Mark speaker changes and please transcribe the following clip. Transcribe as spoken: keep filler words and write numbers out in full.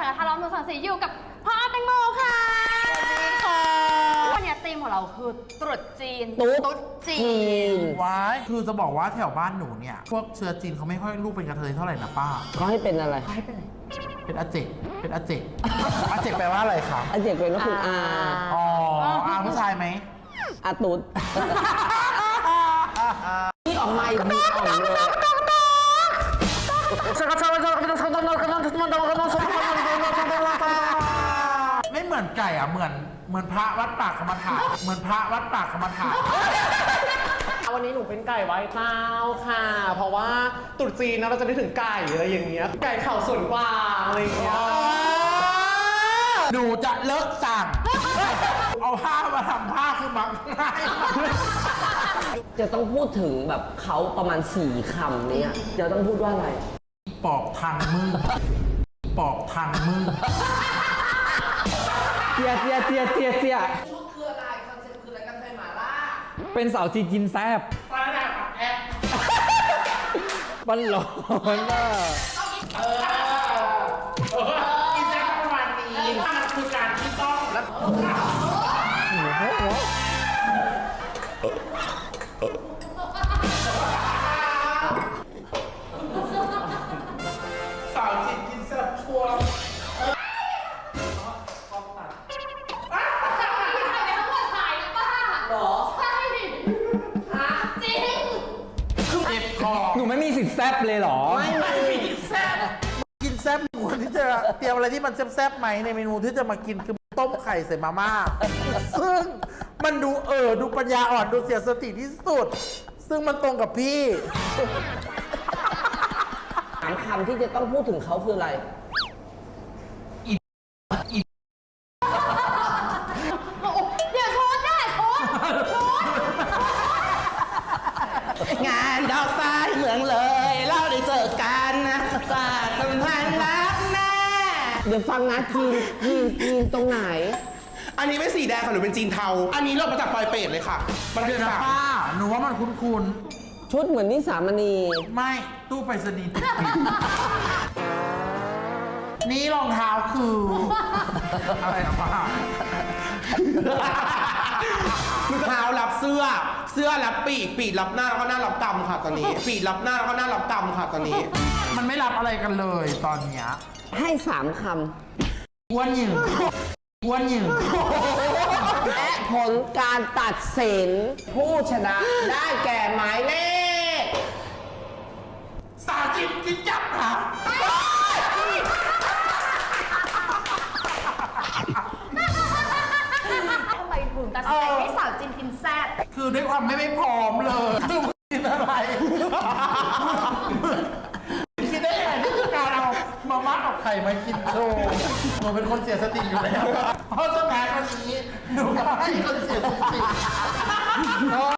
Speaker 1: นะคะเราหนึ่งสองสี่อยู่กับพ่อแตงโมค่ะวันนี้ธีมของเราคือตรุษจีนตุ๊ดจีน
Speaker 2: ว้ายคือจะบอกว่าแถวบ้านหนูเนี่ยพวกเชื้อจีนเขาไม่ค่อยลูกเป็นกระเทยเท่าไหร่นะป้า
Speaker 3: เขาให้เป็นอะไร
Speaker 1: เขาให้เป็นอะไร
Speaker 2: เป็นอาเจกเป็นอาเจกอาเจกแปลว่าอะไรคะ
Speaker 3: อาเจกเป็นก็คืออา
Speaker 2: อ๋ออาผู้ชายไหม
Speaker 3: อาตุ๊ดนี่ออกมาอีกมีอ่อนเลย
Speaker 2: ไม่เหมือนไก่อ่ะเหมือนเหมือนพระวัดปากกรรมฐานเหมือนพระวัดปากกรรมฐาน
Speaker 4: วันนี้หนูเป็นไก่ไว้เต้าค่ะเพราะว่าตรุษจีนนะเราจะนึกถึงไก่อะไรอย่างเงี้ยไก่เข่าส่วนกวางอะไรอย่างเงี้ย
Speaker 2: หนูจะเลิกสั่งเอาผ้ามาทำผ้าคือมักง่าย
Speaker 3: จะต้องพูดถึงแบบเขาประมาณสี่คำนี้จะต้องพูดว่าอะไร
Speaker 2: ปอบทางมึงปอบทางมึง
Speaker 5: เจียเจียเจียเจียเจีย
Speaker 3: ชุดคืออะไรคอนเซ็ปต์คืออะไรกันไทยหมาล่า
Speaker 5: เป็นสาวจีนกินแซ่บ
Speaker 2: ปลาดาบแอบ
Speaker 5: บันหลอนอ่ะ
Speaker 2: เออกินแซ่บประมาณนี้มันคือการที่ต้องแล้วสาวจีนกินแซ่บชัวร์
Speaker 5: หนูไม่มีสิทธิ์แซ่บเลยเหรอ
Speaker 2: ไม่ไม่มีแซ่บกินแซ่บควรที่จะเตรียมอะไรที่มันแซ่บๆไหมในเมนูที่จะมากินคือต้มไข่ใส่มาม่าซึ่งมันดูเออดูปัญญาอ่อนดูเสียสติที่สุดซึ่งมันตรงกับพี่
Speaker 3: สามคำที่จะต้องพูดถึงเขาคืออะไร
Speaker 1: เดี๋ยวโทษได้โทษโทษ
Speaker 3: งานดอกฟ้าเมืองเลยเราได้เจอกันนะสาดสัมพันธ์รักแน่เดี๋ยวฟังนะจีนจีนจีนตรงไหน
Speaker 4: อันนี้ไม่สีแดงค่ะหนูเป็นจีนเทาอันนี้เรามาจากปลอยเป็ดเลยค่ะมันเป็นแบบ
Speaker 2: ป้าหนูว่ามันคุ้น
Speaker 3: ๆชุดเหมือนนิสามณี
Speaker 2: ไม่ตู้ไปรษณีย์ติดปิดนี่รองเท้าคืออะไรนะป้าร
Speaker 4: องเท้ารับเสื้อเสื้อรับปีกปีกรับหน้าแล้วก็หน้ารับกำค่ะตอนนี้ปีกรับหน้าแล้วก็หน้ารับกำค่ะตอนนี้
Speaker 2: มันไม่รับอะไรกันเลยตอนเนี้ย
Speaker 3: ให้สามค
Speaker 2: ำอ้วนหยิ่งอ้วนหยิ่ง
Speaker 3: และผลการตัดสินผู้ชนะได้แก่หมายเลข
Speaker 2: สาวจิบจิบจับค่ะ
Speaker 1: ทำไมถึงตัดสินใจให้สาวจีนกินแซ่บ
Speaker 2: คือด้วยความไม่ไม่พร้อมเลยคือกินอะไรคิดได้ไงที่คือการเอามาม่ากับไข่มากินโชว์หนูเป็นคนเสียสติอยู่แล้วเพราะฉะนั้นวันนี้หนูก็ให้คนเสียสติ